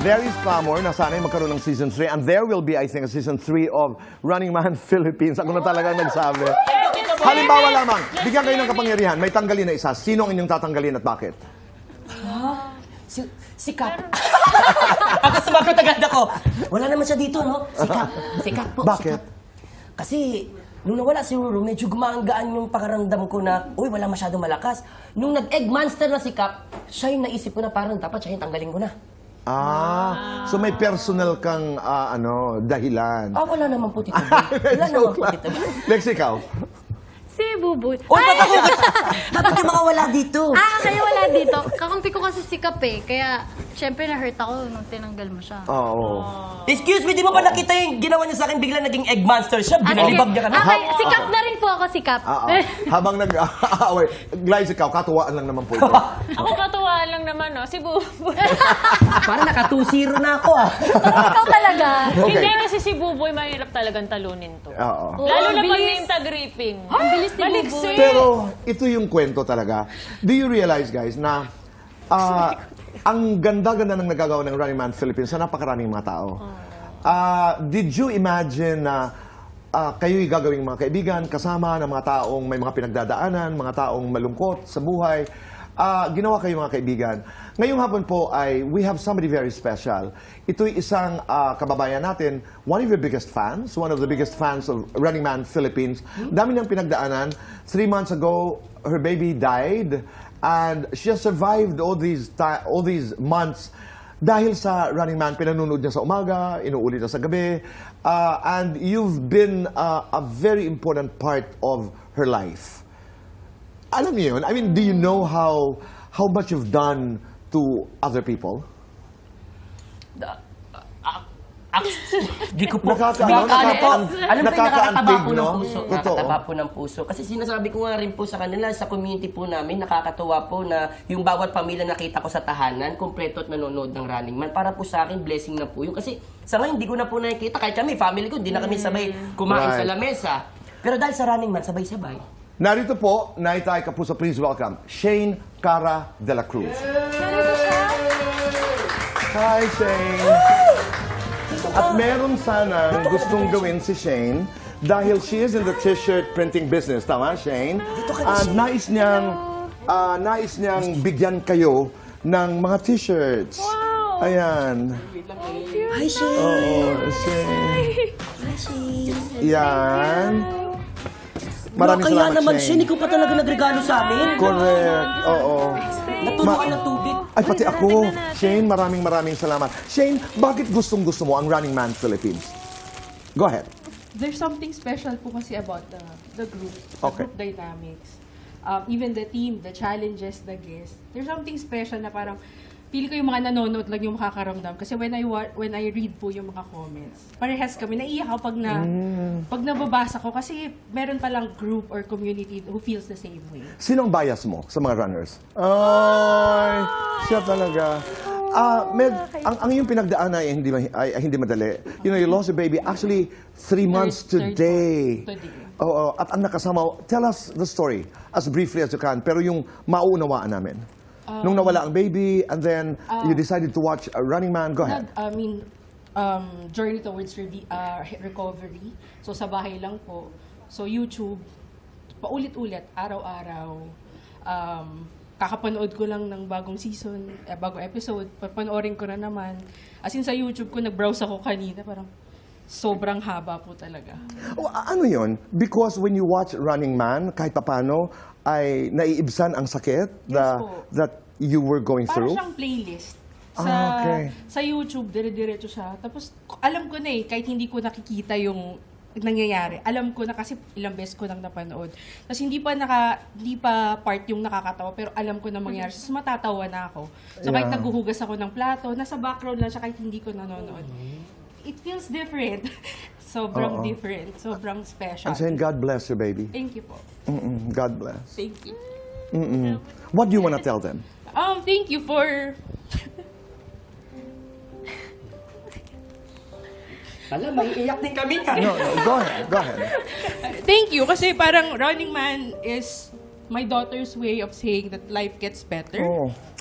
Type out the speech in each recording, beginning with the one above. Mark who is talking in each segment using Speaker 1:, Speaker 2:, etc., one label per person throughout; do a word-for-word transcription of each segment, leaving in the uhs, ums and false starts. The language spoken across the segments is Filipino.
Speaker 1: there is clamor na sana'y magkaroon ng season three and there will be, I think, a season three of Running Man Philippines. Ako na talaga nagsabi. Halimbawa lamang, bigyan kayo ng kapangyarihan, may tanggalin na isa. Sino ang inyong tatanggalin at bakit?
Speaker 2: Ah, si, si Kap. Ako sumagot agad ako. Wala naman siya dito, no? Si Kap. Si Kap po.
Speaker 1: Bakit?
Speaker 2: Si Kap. Kasi, nung nawala si Ruru, medyo gumagaan yung pakaramdam ko na, uy, wala masyadong malakas. Nung nag-egg monster na si Kap, siya yung naisip ko na parang dapat siya yung tanggalin ko na.
Speaker 1: Ah, so may personal kang, ah, ano, dahilan.
Speaker 2: Ah, wala naman po, Tito Boy. Wala naman po, Tito Boy.
Speaker 1: Lex, ikaw?
Speaker 3: Si Buboy.
Speaker 2: Uy, ba't ako? Dapat yung mga wala dito.
Speaker 3: Ah, kaya wala dito. Kakampi ko kasi si Kap eh. Kaya, syempre na-hurt ako nung tinanggal mo siya.
Speaker 1: Oo.
Speaker 2: Excuse me, di mo ba nakita yung ginawa niya sa akin bigla naging egg monster siya?
Speaker 3: Ah,
Speaker 2: Binalibag
Speaker 3: sige.
Speaker 2: niya ka na.
Speaker 3: Okay, si Kap na rin po ako, si Kap.
Speaker 1: Ah, ah. Habang nag-aaway, Glyce, ikaw, katuwaan lang naman po ito.
Speaker 4: Ako katuwaan lang naman, no? Si Buboy.
Speaker 2: Parang naka two zero na ako, ah.
Speaker 3: Ikaw talaga.
Speaker 1: Okay.
Speaker 4: Hindi kasi si Buboy mahirap talagang talunin to.
Speaker 1: Oo.
Speaker 4: Lalo
Speaker 3: Oo,
Speaker 4: na pag
Speaker 3: bilis.
Speaker 4: name tag ripping.
Speaker 3: Ang bilis ni
Speaker 4: Baliksi.
Speaker 3: Buboy.
Speaker 1: Pero ito yung kwento talaga. Do you realize, guys, na ah, ang ganda-ganda ng nagagawa ng Running Man Philippines sa napakaraming mga tao. Ah, did you imagine na ah, kayo'y gagawing mga kaibigan, kasama ng mga taong may mga pinagdadaanan, mga taong malungkot sa buhay? Ah, ginawa kayo mga kaibigan. Ngayong hapon po ay we have somebody very special. Ito'y isang ah, kababayan natin, one of your biggest fans, one of the biggest fans of Running Man Philippines. Dami niyang pinagdaanan. Three months ago, her baby died and she has survived all these ti- all these months dahil sa Running Man. Pinanonood niya sa umaga, inuulit niya sa gabi. Ah, and you've been ah, a very important part of her life. Alam niyo yun? I mean, do you know how how much you've done to other people?
Speaker 2: Di ko po.
Speaker 1: Nakaka-
Speaker 2: Nakaka-
Speaker 1: ano,
Speaker 2: po.
Speaker 1: nakaka-
Speaker 2: Alam mo, yung nakakataba
Speaker 1: nakakaantig,
Speaker 2: po ng
Speaker 1: no?
Speaker 2: puso.
Speaker 1: Totoo.
Speaker 2: Nakakataba po ng puso. Kasi sinasabi ko nga rin po sa kanila, sa community po namin, nakakatuwa po na yung bawat pamilya nakita ko sa tahanan, kumpleto at nanonood ng Running Man. Para po sa akin, blessing na po yun. Kasi sa ngayon, hindi ko na po nakikita. Kahit kami, family ko, hindi na kami sabay kumain
Speaker 1: Right.
Speaker 2: sa lamesa. Pero dahil sa Running Man, sabay-sabay.
Speaker 1: Narito po, Naitay Kapuso, please welcome, Shane Cara de la Cruz. Hi, Shane. At meron sana gustong gawin si Shane dahil she is in the t-shirt printing business. Tama, Shane? At nais niyang, ah, nais niyang bigyan kayo ng mga t-shirts.
Speaker 4: Wow!
Speaker 1: Ayan.
Speaker 2: Hi, Shane!
Speaker 1: Oo, Shane.
Speaker 2: Hi, Shane!
Speaker 1: Yan. Maraming
Speaker 2: Kaya
Speaker 1: salamat,
Speaker 2: naman,
Speaker 1: Shane.
Speaker 2: Shane, ikaw pa talaga nagregalo sa amin.
Speaker 1: Correct. Oo.
Speaker 2: Naturuan ng tubig.
Speaker 1: Ay, pati ako. Shane, maraming maraming salamat. Shane, bakit gustong-gusto mo ang Running Man Philippines? Go ahead.
Speaker 5: There's something special po kasi about the, the group, the
Speaker 1: Okay.
Speaker 5: group dynamics. Um, even the team, the challenges, the guests. There's something special na parang pili ko yung mga nanonood lang yung makakaramdam. Kasi when I wa- when I read po yung mga comments, parehas kami, naiiyak ako pag, na, pag nababasa ko kasi meron palang group or community who feels the same way.
Speaker 1: Sino ang bias mo sa mga runners? Ay, siya talaga. Ah, Med, ang, ang iyong pinagdaan ay hindi, ma- ay, ay hindi madali. You know, you lost a baby actually three months
Speaker 5: Third- third
Speaker 1: today.
Speaker 5: month. Today.
Speaker 1: Oo, at ang nakasama, tell us the story as briefly as you can, pero yung mauunawaan namin. Nung nawala ang baby, and then you decided to watch a Running Man, go ahead.
Speaker 5: Nag, I mean, um, journey towards revi- uh, recovery. So, sa bahay lang po. So, YouTube, paulit-ulit, araw-araw. Um, kakapanood ko lang ng bagong season, eh, bagong episode. Papanoorin ko na naman. As in, sa YouTube ko, nag-browse ako kanina. Parang sobrang haba po talaga.
Speaker 1: Oh, a- ano yun? Because when you watch Running Man, kahit papano, ay naiibsan ang sakit the,
Speaker 5: po.
Speaker 1: that you were going
Speaker 5: Para
Speaker 1: through?
Speaker 5: siyang playlist. Sa,
Speaker 1: Ah, okay.
Speaker 5: sa YouTube, dire-diretso siya. Tapos, alam ko na eh, kahit hindi ko nakikita yung nangyayari. Alam ko na kasi ilang beses ko nang napanood. Tapos hindi pa naka, hindi pa part yung nakakatawa, pero alam ko na mangyayari. So, matatawa na ako. So, kahit
Speaker 1: Yeah.
Speaker 5: naghuhugas ako ng plato, nasa background lang siya kahit hindi ko nanonood. It feels different. Sobrang
Speaker 1: Oo.
Speaker 5: different. Sobrang special.
Speaker 1: I'm saying God bless your baby.
Speaker 5: Thank you po.
Speaker 1: Mm-mm, God bless.
Speaker 5: Thank you.
Speaker 1: Mm-mm. What do you want to tell them?
Speaker 5: Um, thank you for...
Speaker 2: Alam, may iyak din kami ka.
Speaker 1: No, no, go ahead, go ahead.
Speaker 5: Thank you kasi parang Running Man is my daughter's way of saying that life gets better.
Speaker 1: Oh.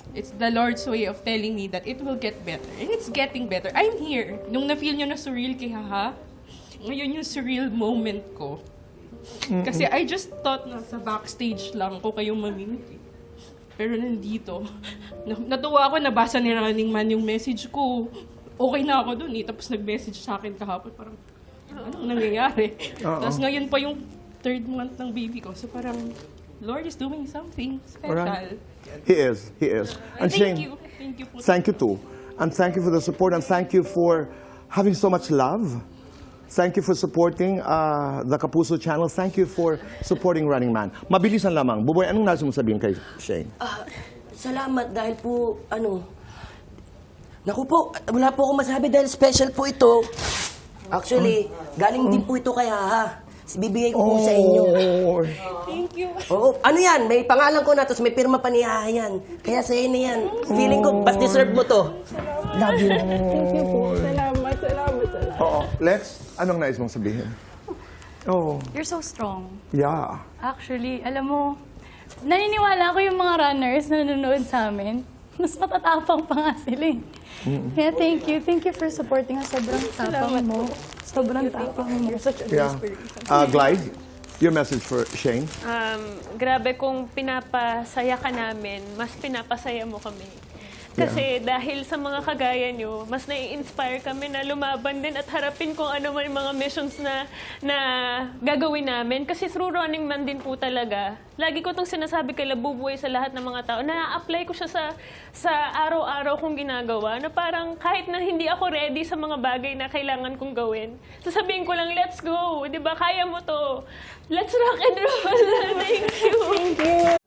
Speaker 5: It's the Lord's way of telling me that it will get better. And it's getting better. I'm here. Nung na-feel nyo na surreal kay Haha, ngayon yung surreal moment ko. Kasi I just thought na sa backstage lang ko kayong mamimiti. Pero nandito, na- natuwa ako, nabasa ni Running Man yung message ko. Okay na ako dun eh. Tapos nag-message sa akin kahapon, parang, anong nangyayari?
Speaker 1: Oo.
Speaker 5: Tapos ngayon pa yung third month ng baby ko. So parang, Lord is doing something special.
Speaker 1: Alright. He is. He is. And
Speaker 5: Thank
Speaker 1: Shane,
Speaker 5: you. Thank you po.
Speaker 1: thank you too. And thank you for the support and thank you for having so much love. Thank you for supporting uh, the Kapuso channel. Thank you for supporting Running Man. Mabilisan lamang. Buboy, anong nais mo sabihin kay Shane?
Speaker 2: Ah, salamat dahil po, ano, naku po, wala po akong masabi dahil special po ito. Actually, galing din po ito kay Haha. Bibigay ko po sa inyo.
Speaker 1: Oh,
Speaker 5: Thank you.
Speaker 2: Oo, ano yan? May pangalan ko na, tapos may pirma pa ni Haha yan. Kaya sa'yo na yan. Feeling ko, mas deserve mo to. Love you.
Speaker 5: Thank you po. Salamat, salamat, salamat.
Speaker 1: Oo. Lex, anong nais mong sabihin? Oh,
Speaker 3: You're so strong.
Speaker 1: yeah.
Speaker 3: Actually, alam mo, naniniwala ko yung mga runners na nanonood sa amin. Mas matatapang pa nga sila eh. Kaya thank you. Thank you for supporting us. Sobrang tapang mo. Sobrang tapang mo. Such a
Speaker 1: Yeah. Uh, Glide, your message for Shane.
Speaker 4: Um, grabe kung pinapasaya ka namin, mas pinapasaya mo kami. Kasi dahil sa mga kagaya nyo, mas nai-inspire kami na lumaban din at harapin kung ano man yung mga missions na, na gagawin namin. Kasi through Running Man din po talaga, lagi ko itong sinasabi kay Labubuhay sa lahat ng mga tao, na-apply ko siya sa, sa araw-araw kong ginagawa, na parang kahit na hindi ako ready sa mga bagay na kailangan kong gawin, sasabihin ko lang, let's go, di ba? Kaya mo to. Let's rock and roll. Thank you.
Speaker 5: Thank you.